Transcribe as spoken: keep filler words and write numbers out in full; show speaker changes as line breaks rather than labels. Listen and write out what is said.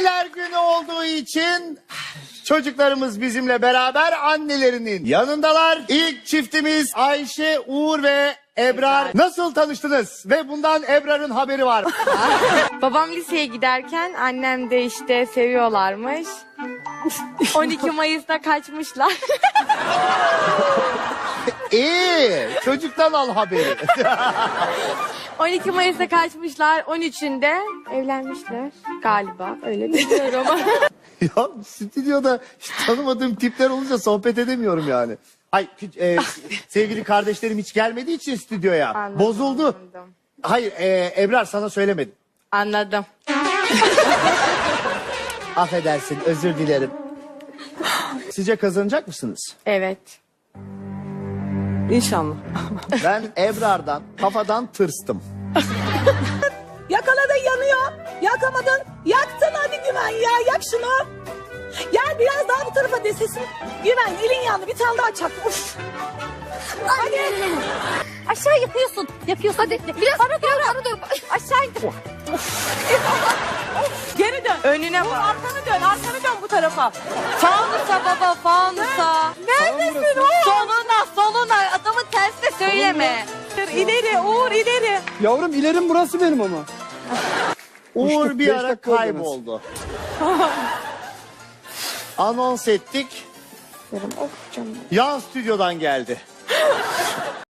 Anneler günü olduğu için çocuklarımız bizimle beraber annelerinin yanındalar. İlk çiftimiz Ayşe, Uğur ve Ebrar. Nasıl tanıştınız? Ve bundan Ebrar'ın haberi var.
Babam liseye giderken annem de işte seviyorlarmış. on iki Mayıs'ta kaçmışlar.
İyi. Çocuktan al haberi.
on iki Mayıs'ta kaçmışlar. on üçünde evlenmişler galiba. Öyle biliyorum ama.
Ya stüdyoda hiç tanımadığım tipler olunca sohbet edemiyorum yani. Ay e, sevgili kardeşlerim hiç gelmediği için stüdyoya.
Anladım,
Bozuldu.
anladım.
Hayır e, Ebrar sana söylemedim.
Anladım.
Affedersin, özür dilerim. Sizce kazanacak mısınız?
Evet.
İnşallah.
Ben Ebrar'dan kafadan tırstım.
Yakaladın yanıyor. Yakamadın. Yaktın hadi Güven ya. Yak şunu. Gel biraz daha bu tarafa de sesin. Güven elin yandı. Bir tane daha çak. Uf. Hadi.
Aşağı yapıyorsun. Yapıyorsun. Hadi biraz bana doğru, bana doğru. Aşağı indir.
Geri dön.
Önüne
Dur,
bak.
arkanı dön. Arkanı dön bu tarafa.
Fanusa baba fanusa.
Neredesin oğlum?
Soluna soluna adamın tersine söyleme.
İleri Uğur ileri.
Yavrum ilerim burası benim ama.
Uğur
Uçtuk,
bir
beş
ara
dakika oldu
kayboldu. Anons ettik.
Of canım.
Yan stüdyodan geldi.